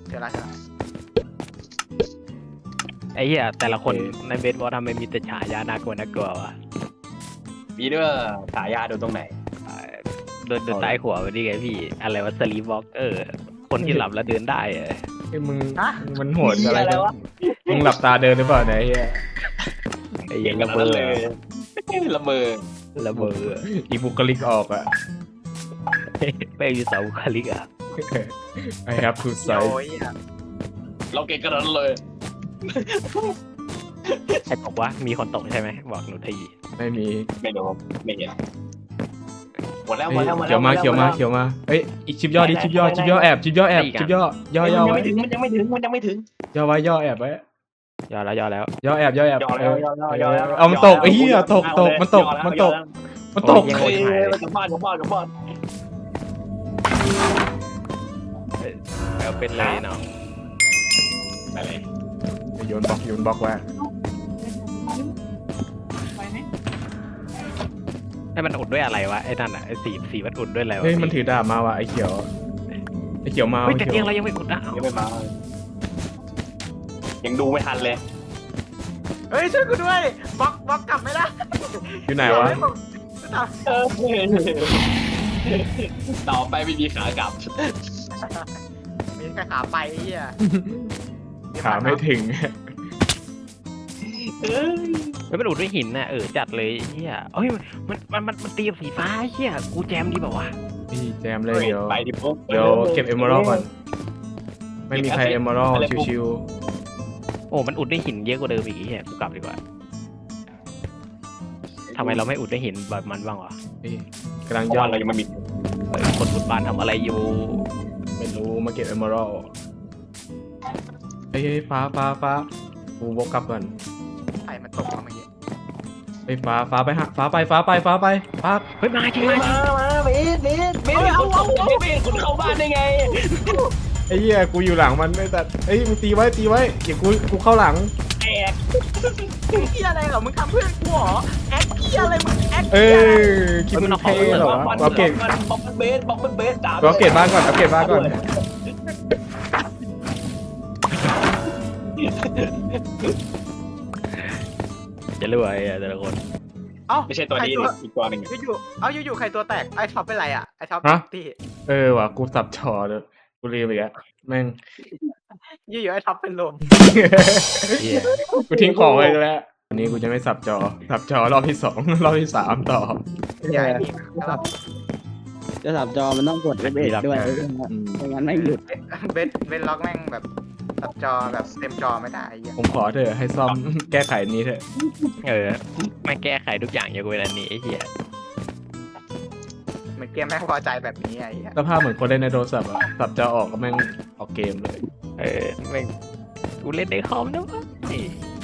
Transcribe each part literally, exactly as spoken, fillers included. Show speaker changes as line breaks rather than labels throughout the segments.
เจอแล้วใช่ไหม
ไอ้เหี้ยแต่ละคนในเบสบอลทำไมมีแต่ฉายาน่ากลัวน่ากลัววะ
มีด้วยฉายาโดนตรงไหน
โดนโดนใต้หัวมันนี่ไงพี่อะไรวะสลีปวอล์กเออคนที่หลับแล้วเดินได้เออ
ไอ้มึงมันโหดอะไรกันมึงหลับตาเดินหรือเปล่าเนี่ยไอ้เหี้ย
ไอ้เหี้ยังระเบิด
เลยละเมอ
ระเบิด
อีบุคลิกออกอะ
ไม่มีเสาบุคลิกอ่ะ
I have to
โอ้
size
ยอ่ะ
เราเก่งกันนั้นเลย
ใครบอกว่ามีคนตกใช่ไหมบอกหนูที
ไม่มี
ไม่รู้ไม่เห็นหมดแล้วหม
เฮ้
ด
ย
แล้วหมดแล้ว
เขียวมาเขียวมาเขียวมาเฮ้ยอีกชิปย่อดิชิปย่อชิปย่อแอบชิปย่อแอบชิปย่อย่อย่อ
มันยัง
ไว้
ไม่ถึงมันยังไม่ถึงมันยังไม่ถึง
ย่อไว้ย่อแอบไว้
ย่อแล้วย่อแล้ว
ย่อแอบย่อแอบ
ย่อแล้วย่อแล้วย่อแล้ว
เอามันตกไอ้เหี้ยตกตกมันตกมันตกมันตก
เฮ้ยกลับบ้านกลับบ้านกลับบ้าน
แล้วเป็นเลยเนาะ
ไปเลย
โยนบล็อกโยนบล็อกไว้
ให้มันอุดด้วยอะไรวะไอ้นั่นอ่ะไอ้สีสีมันอุดด้วยอะไรวะ
เฮ้ยมันถือดาบมาว่ะไอ้เขียวไอ้เขียวมา
เฮ้ย
ไอ้
แต่
เขี
เตี
ย
ยว งเรายังไม่อุดนะ
ยังไม่มายังดูไม่ทันเลย
เฮ้ยช่วยกูด้วยบล็อกบล็อกกลับไม่ได้
อยู่ไหนวะ
ต่อไปไม่มีขากลับ
มีแค่ขาไปไอ้เหี้ย
ขาไม่ถึง
เฮ้ยมันอุดด้วยหินน่ะเออจัดเลยเฮียเฮ้ยมันมันมันมันตีกับสีฟ้าเฮียกูแจมดีแบบว่าวะ
พี่แจมเลยเดี๋ยว
ไปดิปุ๊บ
เดี๋ยวเก็บเอมเมอรัลก่อน ไม่มีใครเอมเมอรัลชิว
โอ้มันอุดด้วยหินเยอะกว่าเดิมอีกเฮียกูกลับดีกว่าทำไมเราไม่อุดด้วยหินแบบมันบ้างวะ
ๆนี่กำลัง
เพราะ
ย่อ
ว่าเรายังไม่มี
เออคนอุดบ้านทำอะไรอยู่
ไม่รู้มาเก็บเอมเมอรัลเฮ้ยฟ้าฟ้าฟ้ากูวกกลับก่อน
ไฟมันตกมาเมื่อกี้
เฮ้ยฟ้าฟ้าไปฮะฟ้าไปฟ้าไปฟ้าไปฟ้า
เฮ้ยมาจริงมาจริง
มาเบสเบสเบสคุณเข้าเบสคุณเข้าบ้านได้ไง
ไอ้เหี้ยกูอยู่หลังมันไอ้สัตว์เฮ้ยมึงตีไว้ตีไว้เดี๋ยวกูกูเข้าหลัง
แอก
เหี้ยอะไรเหรอมึงทำเพื่อนกูเหรอแอคเหี้ยอะไรมึงแอค
เอ
เหี้ยอะไร
อคิดมึงเท่เหรอวะเอาเก็บ
บอกเป็นเบสบอกเป็นเบสด่า
เอาเก็บบ้านก่อนเอาเก็บบ้านก่อน
จะรวยอะแต่ละคน
เอ้า
ไม่ใช่ตัวนี้อีกตัวหนึ่ง
อยู่ๆเอ้าอยู่ๆใครตัวแตกไอ้ท็อปเป็นไรอ่ะไอ้ท็อปที่
เออว่ะกูสับชอเลยกูลืมไปแล้วแม่ง
อยู่ๆไอ้ท็อปเป็นลม
เฮีย
กูทิ้งของไว้แล้ววันนี้กูจะไม่สับจอสับจอรอบที่สองรอบที่สามต่อ
ใหญ่นี่ครับ
จะสับจอมันต้องกดเบรกด้วย
อืม
ไม่งั้นไม่หยุด
เบสเบสล็อกแม่งแบบตัดจอแบบเต็มจอไม่ได้ไอ้เหี้ย
ผมขอเถอะให้ซ่อม แก้ไขนี้เถอะ
เออไม่แก้ไขทุกอย่างอย่างเวลานี้ไอ้เฮีย
เหมือนเกมแม่งพอใจแบบนี้ไอ้เหี้ย
สภาพเหมือนคนเล่นในโทรศัพท์อะสับจอออกก็แม่งออกเกมเลย
เออแม่งกูเล่นในคอมนะวะนี่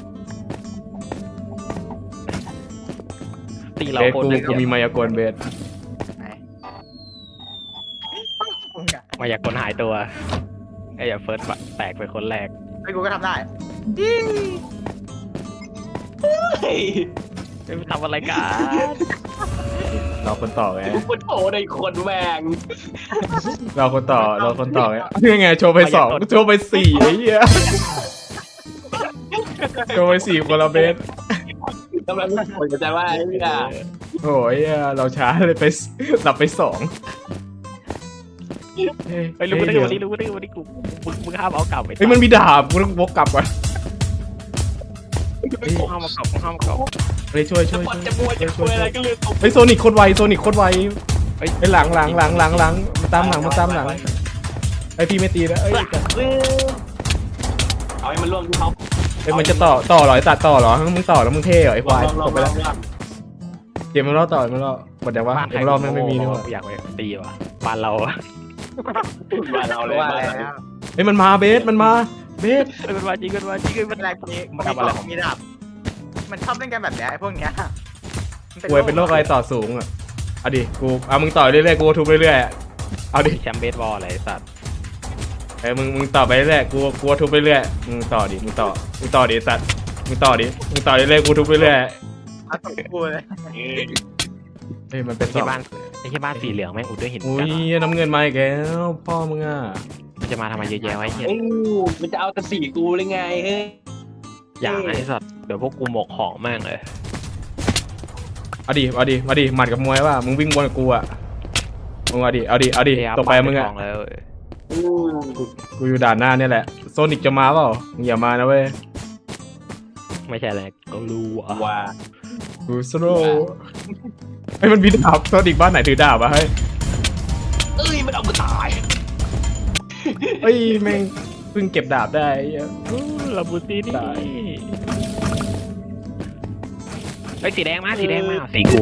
ตีเรา
เบส
คน
กู
หนึ่ง
กูมีมายากลเบส
ไหนมึงอะ
มาอยากคนหายตัวไอ้อย่าเฟิร์สแตกไปคนแรก
ไอ้กูก็ทำได้
ไม่ทำอะไรกัน
เราคนต่อไง
พุทโธในคนแมง
เราคนต่อเราคนต่อไงนี่ไงโชว์ไปสองโชว์ไปสี่ไอ้เหี้ยโชว์ไปสี่คนละเบส
ทำไมไม่คนจะว่าไอ้เนี่ย
โอ้ยเราช้าเลยไปสับไปสอง
ไอ้รู้ได้วันนี้รู้ได้วันนี้กูมึงมึงห้ามเอากลับไป
เฮ้ยมันมีดาบกูต้องวกกลับก่อน
มึงห้ามเอากลับมึงห้ามเอากลับ
เฮ้ยช่วยช่วย
ปอด
ช่วย
จะมวยจะคุยอะไรก็เรื่องของ
เฮ้ยโซนิคโคตรไวโซนิคโคตรไวเฮ้ยหลังหลังหลังหลังหลังมาตามหลังมาตามหลังไอพี่ไม่ตีแล้วเอ้ย
เอาให้มันล่วงที่เขา
เอ้ยมันจะต่อต่อเหรอไอตัดต่อเหรอมึงต่อแล้วมึงเท่เหรอไอควายตกไปแล้วเกมมันรอต่อมันรอหมดแต่ว่าเกมรอบไม่มีนี่หว่า
อยากไปตีว่ะบ้านเรา
บ้านเราเลย
ว่า
บ้าน
แล้
เรา
ว
เฮ้ยมันมาเบสมันมาเบส
มันมาจริงมันมาจริงมัน
อะไรพวกนี้มันทำอะไรมีดาบมันชอบเล่นกันแบบเนี้ยไอ้พวกเนี้ย
ป่วยเป็นโรคอะไรต่อสูงอ่ะเอาดิกูเอามึงต่อเรื่อยๆกูทุบเรื่อยๆเอาดิ
แชมป์เบสบอลอะไรสัตว์
เอ้ยมึงมึงต่อไปเรื่อยๆกูกูทุบเรื่อยๆมึงต่อดิมึงต่อมึงต่อดิสัตว์มึงต่อดิมึงต่อเรื่อยๆกูทุบเรื่อย
เอาตบกูเลย
ๆเฮ้ยมันเป็นสอ
ที่
ง
บ้านไอ้ที่บ้านสีเหลืองแม่งอุดด้วยหิน
อุ้
กั
ย
น
น้ำเงินมาอีกแล้วพ่อมึงอ่ะ
มันจะมาทำไมเยอะแยะไว้เฮีย
เอ้ยมันจะเอาแต่สีกูเลยไงเฮ้ย
อย่างไอ้สัตว์เดี๋ยวพวกกูหมกของแม่งเลย
เอาดิเอาดิมาดิหมัดกับมวยว่ามึงวิ่งบนกับกูอ่ะมึงเอาดิเอาดิเอาดิตกไปมึงอ่ะ
ของแล้ว
อืม
กูอยู่ด่านหน้าเนี่ยแหละโซนิกจะมาเปล่ามึงอย่ามานะเว้ย
ไม่ใช่อะไรก็รู้อ่ะ
ว่า
กูสโลไอ้ยมันมีดาบโซนิกบ้านไหนถือดาบอะเฮ้ย
เอ้ยมันเอากูตาย
เฮ้ยแม่งเพิ่งเก็บดาบได้ไอ้เหี้ย
ลาบูตินี่
ตาย
ไอ้สีแดงมาสีแดงมาสีกู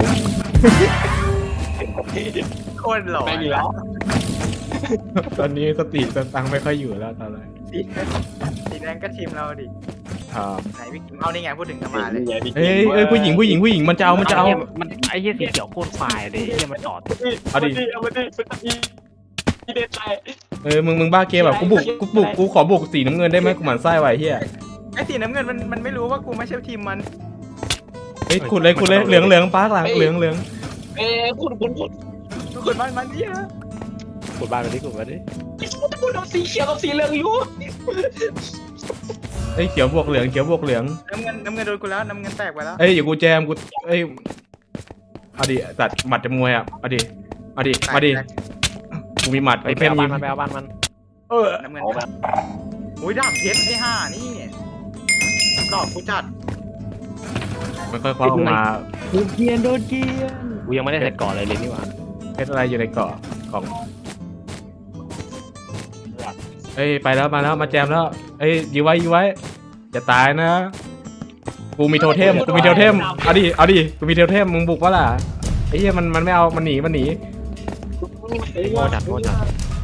โคตรหล่อ
แม่งอีกแล้ว
ตอนนี้สติสตังค์ไม่ค่อยอยู่แล้วตอนแรก
สีสีแดงก็ทีมเราดิ
ครับ
ไหนพี่กิมเอานี่ไงพูดถึงจะมาเลย
เอ้ยเอ้ยผู้หญิงผู้หญิงผู้หญิงมันจะเอามันจะเอา
มันไอ้เหี้ยสีเขียวโคตรควายเลยไอ้เหี้ยมันจอด
เอาดิ
เอามาดิเป็นอีอีเด็ดใจ
เออมึงมึงบ้าเกมแบบกูบุกกูบุกกูขอบุกสีน้ำเงินได้ไหมกูหมั่นไส้ไว้เฮีย
ไอ้สีน้ำเงินมันมันไม่รู้ว่ากูไม่ใช่ทีมมัน
เฮ้ยขุดเลยขุดเลยเหลืองเหลืองป้าหลังเหลืองเหลือง
เอ้ยคุณคุณคุณ
ทุกคนมันมันเนี่ย
กดบ้านมาดิกดมาดิ
คุณเอาสีเขียวกับสีเหลืองอยู่
เฮ้ยเขียวบวกเหลืองเขียวบวกเหลือง
น้ำเงินน้ำเงินโดนกูแล้วน้ำเงินแตกไปแล้ว
เอ้ยอยู่กูแจมกูเอ้ยเอาดิตัดหมัดจะมวยอ่ะเอาดิเอาดิมาดิกูมีหมัด
ไป
ไอ้
ไป
เพ่น
เอา
ยิ
บ้าน
ง
มันไปเอาบ้านมัน
เออ
น้ำเงิน
เอาแบบ
โอ้ยดาบเพชรไอ้ห่านี่หลอกกูจัด
มันค่อยคว้าออกมา
โดนเกียนโดนเกียน
กูยังไม่ได้ใส่ก่อนเลยเลยนี่หว่า
เพชรอะไรอยู่ในเกาะกล่องเอ้ยไปแล้วมาแล้วมาแจมแล้วเอ้ยยื้อไว้ยื้อไว้อย่าตายนะกูมีโทเทมกูมีโทเทมเอาดิเอาดิกูมีโทเทมมึงบุกวะล่ะไอ้เหี้ยมันมันไม่เอามันหนีมันหนี
โง่จัดโง่จัด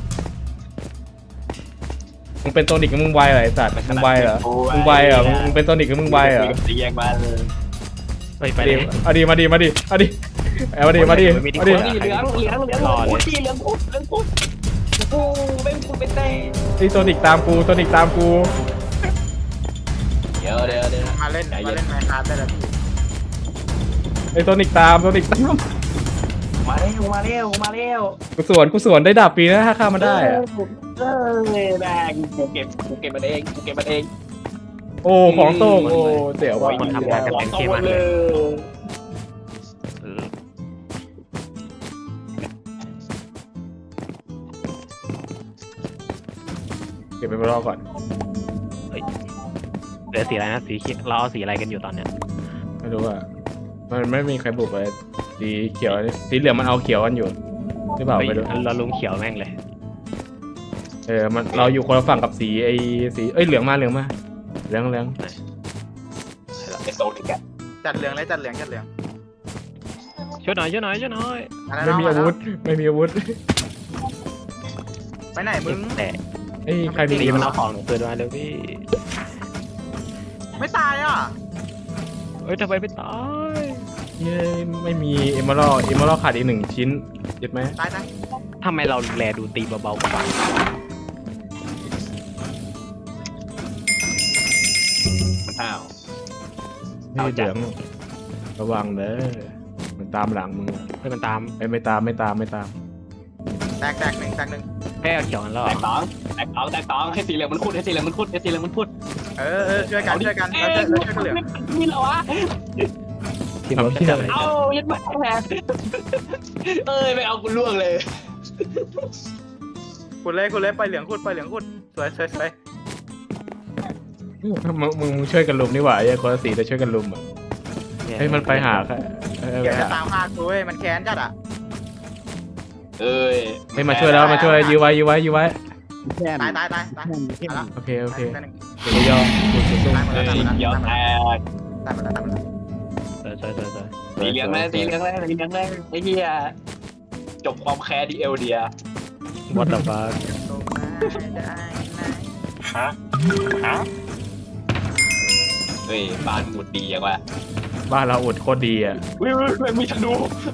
มึงเป็นโซนิกกับมึงไวเหรอไอ้สัตว์มึงไวเหรอมึงไวเหรอมึงมึงเป็นโซนิกกับมึงไวเหรอ
สีแยกมาเลย
ไปไป
มา
เล
ดิ
ย
เอาดิมาดิมาดิเอาดิเอามาดิมาดิมาดิ
เหลืองเหลืองเหลืองเหลืองพูดที่เหลืองพูดเหลืองพูดกูเป็นกูเป็นเต้
ไอ้โซนิกตามกูโซนิกตามกู
เดี๋ยวเดี๋ยวเดี๋ยว
มาเล่นมาเล่นไมค์คราฟได้แล้วพี่
ไอ้โซนิกตามโซนิกตาม
มาเร็วมาเร็วมาเร็ว
กูสวนกูสวนได้ดาบปีนะถ้าฆ่ามันได้อะ
เออแม่งกูเก็บกูเก็บมันเองกูเก็บมันเอง
โอ้ของโต้งโอ้เดี๋ยวว่ะ
มันทำงานกันเป็นเกมมันเลยเออ
เก็บไปรอก่อน
เหลือสีอะไรนะสีเขียวเราเอาสีอะไรกันอยู่ตอนเนี้ย
ไม่รู้อ่ะมันไม่มีใครบุกเลยสีเขียวนี่สีเหลืองมันเอาเขียวกันอยู่หรือเปล่า
เฮ้ย
ไม่รู้
เราลุงเขียวแม่งเลย
เออมันเราอยู่คนละฝั่งกับสีไอ้สีเอ้ยเหลืองมาเหลืองมาเหลืองเหลือง
ไอโซนิกอะ
จัดเหลืองเลยจัดเหลืองจัดเหลือง
ช่วยหน่อยช่วยหน่อยช่วยหน่อย
ไม่มีอาวุธไม่มีอาวุธ
ไปไหนมึง
แต่
เอ้ยใครมี
สีมันเอาของหนูคืนมาเร็วพี่
ไม่ตายอ่ะ
เอ้ยทำไมไม่ตาย
เย้ยไม่มีเอมเมอรัลเอมเมอรัลขาดอีกหนึ่งชิ้นเจ็บไหม
ตายตาย
ทำไมเราแลดูตีเบาๆกว่า
มันอ้าว
นี่เหลืองระวังเด้อมันตามหลังมึงอะ
เฮ้ยมันตาม
เอ้ยไม่ตามไม่ตามไม่ตาม
แตกแตกหนึ่งแตกหนึ่ง
แค่เอาเขียวกันแล้ว
แตกตองแตกตองแตกตองให้สีเหลืองมันพูดให้สีเหลืองมันพูดให้สีเหลืองมันพูด
เออเออช่วยกันช่วยกันเราช่วยเราช่วยกันเหลือง
นี่เหรอวะ
ที่มันจะอะไร
เอายัดมาแหมเอ้ยไม่เอากูล่วงเลย
ขุดเลยขุดเลยไปเหลืองขุดไปเหลืองขุดสวยสวยสวย
มึงมึงมึงช่วยกันลุมนี่หว่าไอ้คนละสีจะช่วยกันลุมอ่ะเฮ้ยมันไปหาค่ะเออ
เดี๋ยว
ไป
จะ
หา
ตามฆ่ากูเว้ยมันแค้นจัดอ่ะ
เอ้ย
เฮ้ยมาช่วยแล้วมาช่วยยื้อไว้ยื้อไว้ยื้อไว้
แค่
ตายตายตายตาย
แค่
ตายแล้ว
โอเคโอเค
ตายหนึ่ง
เดี๋ยวย่อกูจะสู้
ตายหมด
เอ้
แล้ว
ย
ตายหมดแล้ว
เดี๋ยวแตก
ตายหมดแล้วตายหมดแล้ว
ใช่ใช่ใช่ใช่
สีเหลืองเลยสีเหลืองเลยสีเหลืองเลยไอ้เหี้ยจบความแค้นดีเอลเดีย
วัดดับบ้า
ตกมาได้ไหม
ฮะฮะเฮ้ยบ้านหมุดดียังวะ
บ้านเราอุดโคตรดีอ่ะ
วิวมันมีธนู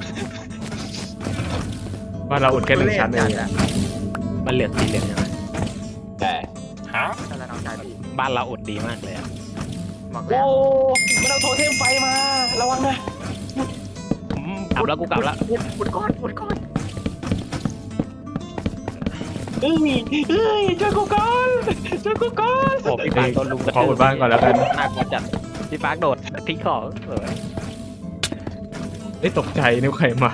บ้านเราอุดแค่หนึ่งชั้นเอง
จัด
มันเหลือสีเหลืองยังไง
ใช่ฮะ
อะแล้วน้องชายพี่
บ้านเราอดดีมากเลยอะ
บอกแล้
โอ้
ว
มันเอาโทเทมไฟมาระวังนะ
อืมกลับแล้วกูกลับแล้ว
ขุดก้อนขุดก้อน
เฮ้ยเฮ้ยช่วยกูก่อนช่วยกูก่อน
โอ้พี่ปาร์คโดนลุมกระ
ขออุดบ้านก่อนแล้วกัน
น่ากลัวจัดพี่ปาร์คโดดทิ้งของเออ
เอ้ยตกใจนึกใครมา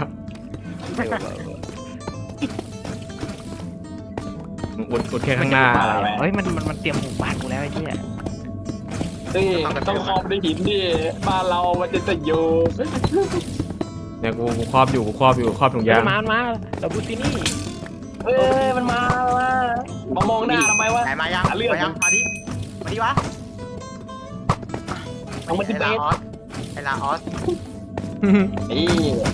อุดอุดแค่ข้างหน้า
เฮ้ยมันมันมันเตรียมหมู่บ้านกูแล้วไอ้เหี้ย
เฮ้ยต้องครอบด้วยหินดิบ้านเรามันจะจะอยู่
เนี่ยกูกูครอบอยู่กูครอบอยู่ครอบถุงยาง
มามาเราบูตินี่
เฮ้ยมันมาว่ะมามองหน้าทำไมวะ
ไหนมายัง
หาเรื่อง
มายังมาดิมาดิวะ
เอามัน
ไอ้
ที่เบ
ลา
ส
ออสไอ้ลาออส
นี่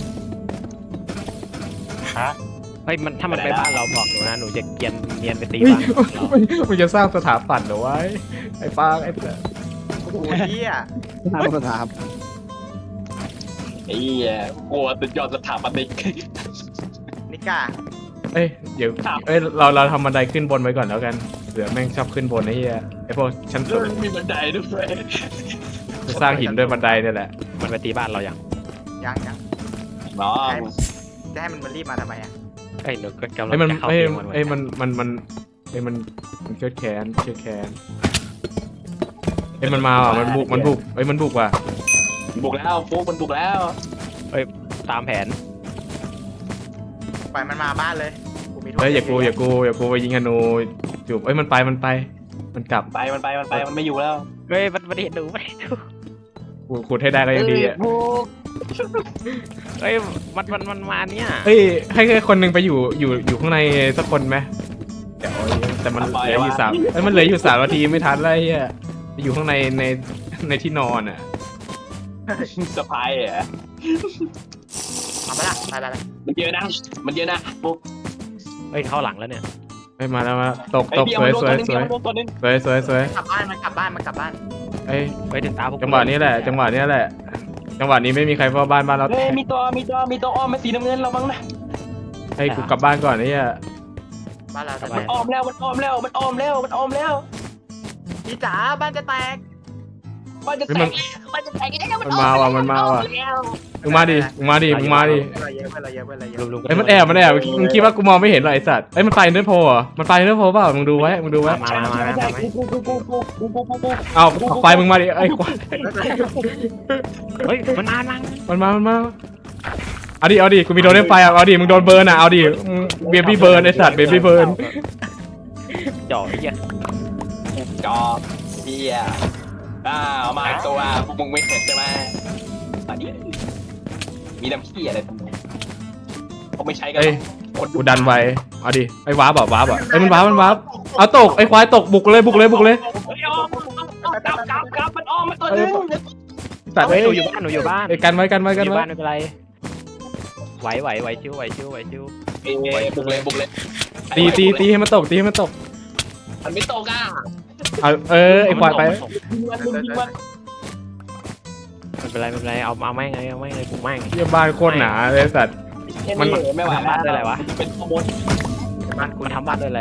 ฮะ
เฮ้ยมันถ้ามันไปบ้านเราบอกหนูนะหนูจะเกรียนเนียนไปตี
เฮ้ย
บ้านเรา
มันจะสร้างสถาปัตย์เหรอวะไอ้ปางไอ้เพื่อน
โอ้โหเหี้ย
ทางสถาป
ไอ้เหี้ยกลัวสุดยอดสถาปนิก
นิก้า
เอ้ยเดี๋ยวเอ้ยเราเราทำบันไดขึ้นบนไว้ก่อนแล้วกันเดี๋ยวแม่งชอบขึ้นบนไอ้เหี้ยไอ้พวกชั้น
แล้
สู
ว
ง
มันมีบันไดด้วย
จะสร้างหินด้วยบันไดเนี่ยแหละ
มันไปตีบ้านเราอย่าง
ยังยัง
น้อง
จะให้มันมารีบมาทำไมอ่ะ
เอ้ยหนูก็กำลัง
ไอ้ยมัน
จะเข้า
ไอ้ย
เกมมัน
ไอ้ยมันมันมันไอ้ยมันมันเชือดแขนเชือดแขนไอ้ยมันมาว่ะมันบุกมันบุกไอ้ยมันบุกว่ะ
บุกแล้วฟุกมันบุกแล้ว
ตามแผน
ปล่อยมันมาบ้านเลยกูมีโทษ
เฮ้ยอย่ากูอย่ากูอย่ากูไปยิงธนูจูบเอ้ยมันไปมันไป มันกลับ
ไปมันไปมันไปมันไม่อยู่แล้ว
เฮ้ยมันมันเห็นหนูมันเห็นหนู
กูขุดให้ได้ก็ยังดีอ่ะ
ฟุก
เฮ้ยมันมันมันมาเนี่ย
เฮ้ยให้แค่คนหนึ่งไปอยู่อยู่อยู่ข้างในสักคนไหมเดี๋ยวแต่มันเหลืออยู่สามเอ้ยมันเหลืออยู่สามนาทีไม่ทันแล้วไอ้เฮียไปอยู่ข้างในในในที่นอนอ่ะ
สะพายอ่ะ
เอาไปละไปไปไป
มันเยอะนะมันเยอะนะฟุก
เฮ้ยเข้าหลังแล้วเนี่ย
เฮ้ยมาแล้วมาตก
ไอ้
ตก
เบี้ย
สวย
มันโด
สวย
น
สวย
ตัวนึง
สวยสวยสวย
กลับบ้านมันกลับบ้านมันกลับบ้าน
เอ้ย
ไปถึงตาพวก
จังหวะนี้แหละ จังหวะนี้แหละ จังหวะนี้ไม่มีใครเฝ้าบ้านบ้านเรา
เฮ้
แต
ย
ก
มีตัวมีตัวมีตัวอ้อมเป็นสีน้ำเงินเราบ้างนะ
ให้กูกลับบ้านก่อนไอ้เหี้ย
บ้านเราจะ
มัน
แตก
อ้อมแล้วมันอ้อมแล้วมันอ้อมแล้วมันอ้อมแล้ว
พี่จ๋าบ้านจะแตก
มันจะแตกมันจะแตกแล้ว
มันมาว่ะมันมาว่ะมึงมาดิมึงมาดิมึงมาดิ
เพื่อนเราเยอะเพื่อนเราเยอะเพื่อนเราเย
ลุ
อะ
มลุม
เอ้ยมันแอบมันแอบมึงคิดว่ากูมองไม่เห็นเหรอไอ้สัตว์เอ้ยมันไปเนื้อโพเหรอมันไปเนื้อโพเปล่ามึงดูไว้มึงดูไว้
มามามามามา
กูกูกูกูกูกูกูกู
เอาออกไปมึงมาดิไอ้ควาย
เฮ้ยมันมานั่ง
มันมามันมาเอาดิเอาดิกูมีโดนเล่นไฟอ่ะเอาดิมึงโดนเบิร์นอ่ะเอาดิเบบี้เบิร์นไอ้สัตว์เบบี้เบิร์น
จ่อไอ้เหี้ย
จอบเฮียอ้าวมาตัวพวกมึงไม่เห็นใช่ไหมมาดิมีน้ำขี้อะไรตรงนี้เขาไม่ใช้กัน
เอ้ยกูดันไว้เอาดิไอ้วาร์ปอ่ะวาร์ปอ่ะไอ้ยมันวาร์ปมันวาร์ปเอาตกไอ้ควายตกบุกเลยบุกเลยบุกเลย
กลับกลับกลับมันอ้อมมาตัวนึง
สัตว์
เฮ้
เอ้
ย
ย
หนูอยู่บ้านหนูอยู่บ้าน
เอ้ยกันไว้กันไว้
อ
กัน
ยู่
ไว้
บ้านไม่เป็นไรไหวไหวไหวชิวไหวชิวไหวชิว
เอ้ยบุกเลยบุกเลย
ตีตีตีให้มันตกตีให้มันตก
มันไม่ตกอ่ะ
เอาเออไอ้ควายไป
ยิงมันยิงมัน
ไม่เป็นไรไม่เป็นไรเอาเอาแม่งเลยเอาแม่งเลยปลุกแม่ง
เยี่ยบ้านโคตรหนาเลยสัตว์
มันไม่ไหว
บ้านด้วยอะไรวะ
เป็นขโมย
บ้านกูทำบ้านด้วยอะไร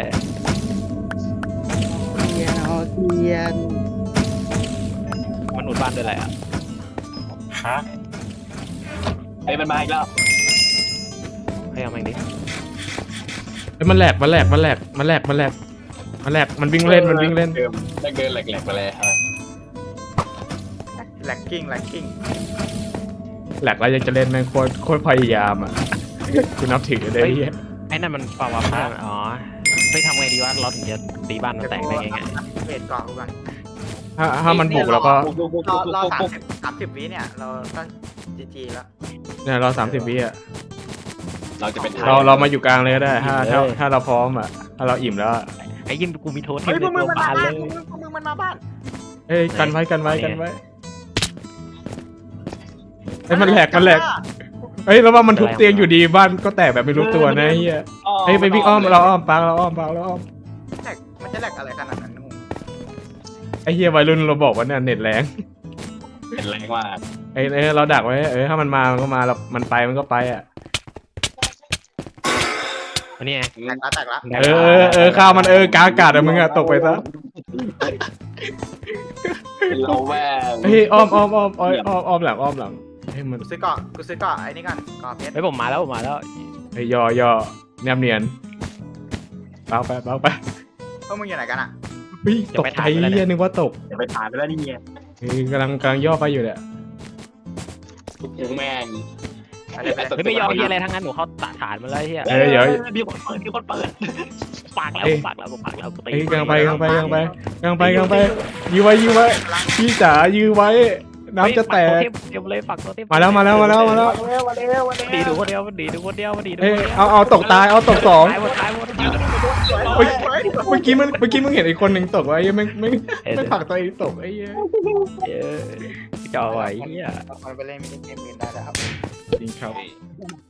เทียนเอาเทียน
มันอุดบ้านด้วยอะไรอ่ะ
ฮะไอ้มันมาอีกแล้ว
ให้เอาแม่งดิ
เฮ้ยมันแหลกมันแหลกมันแหลกมันแหลกมันแหลกมันแหลกมันวิ่งเล่นมันวิ่งเล่น
เดิมได้เกินแหลกๆไปเลยครับ
แลกกิ้งแลกกิ้ง
แหลกแล้วยังจะเล่นแม่งโคตรโคตรพยายามอ่ะกูนับถือเลยเฮีย
ไอ้นั่นมันปาวาผ้าอ๋อเฮ้ยทำไงดีวะเราถึงจะตีบ้านมันแตกได้ไงไง
เวทเกาะกูก่อน
ถ้าถ้ามันบุกแล้วก็
รอรอสามสิบสามสิบวิเนี่ยเราก็จีจีแล้ว
เนี่ยเราสามสิบวิอ่ะ
เราจะเป็น
เราเรามาอยู่กลางเลยก็ได้ถ้าถ้าถ้าเราพร้อมอ่ะถ้าเราอิ่มแล้วอะ
ไอ้ยิ้มกูมีโทษเท
เฮ้
ม
ย
ใน
พวกมึ
ตั
ง
ว
มัน
บ้าม
าน
เล
บ้าน
ย
พวกมึงมันมาบ้าน
เฮ้ยกันไว้กันไว้กันไว้เฮ้ยมันแหลกมันแหลกเฮ้ยแล้วว่ามันทุบเตียงอยู่ดีบ้านก็แตกแบบไม่รู้ตัวนะเฮียเฮ้ยไปวิ่งอ้อมเราอ้อมปางเราอ้อมปางเราอ้อม
แลกมันจะแลกอะไรขนาดนั้นงง
ไอ้เฮียวัยรุ่นเราบอกว่าเนี่ยเน็ตแรง
เป็นแรงมาก
ไอ้เอ้ยเราดักไว้เออถ้ามันมามันก็มาเรามันไปมันก็ไปอ่ะ
อันนี้ไง
แตกละแตกละ
เออเออข้าวมันเออกลางอากาศอะมึงอะตกไปซะ
เราแม่ง
เฮ้ยอ้อมอ้อมอ้อมอ้อมอ้อมอ้อมหลังอ้อมหลังเฮ้ยมัน
กูซื้อเกาะกูซื้อเกาะไอ้นี่ก่อนเกาะเพชร
เฮ้ยผมมาแล้วผมมาแล้ว
เฮ้ยย่อย่อแนบเนียนเบาไปเบาไป
พวกมึงอยู่ไหนกันอ่ะ
เฮ้ยตกใจเหี้ยนึกว่าตก
เดี๋ยวไปถ่ายไปแล้วนี่ไง
เฮ้ยกำลังกำลังย่อไปอยู่เนี่ย
กูแม่ง
เฮ้ยไม่ยอมเฮียอะไรทั้งนั้นหนูเขาตะฐานมาแล้วเฮีย
เอ้ยเดี๋ยว
มีคนเปิดมีคนเปิด
ปากแล้วปากแล้วปากแล้วกูตี
เฮ้ยกำลังไปกำลังไปกำลังไปกำลังไปกำลังไปยื้อไว้ยื้อไว้พี่จ๋ายื้อไว้น้ำจะแตก
เต็มเลยฝักตัวเต็ม
มาแล้วมาแล้วมาแล้วมาแล้ว
ดีดูคนเดียวดีดูคนเดียวดีดู
เอ้ยเอาเอาตกตายเอาตกสอง
ตายหมดตายหมด
เฮ้ยเมื่อกี้มันเมื่อกี้มึงเห็นไอ้คนหนึ่งตกวะไอ้เหี้ยไม่ไม่ไม่ผลักตัวเองตกไอ้เหี้ย
เออจ่อไว้เฮีย
มันไปเล่นมินิเกมอื่นได้แล้วครับ
จริงครับ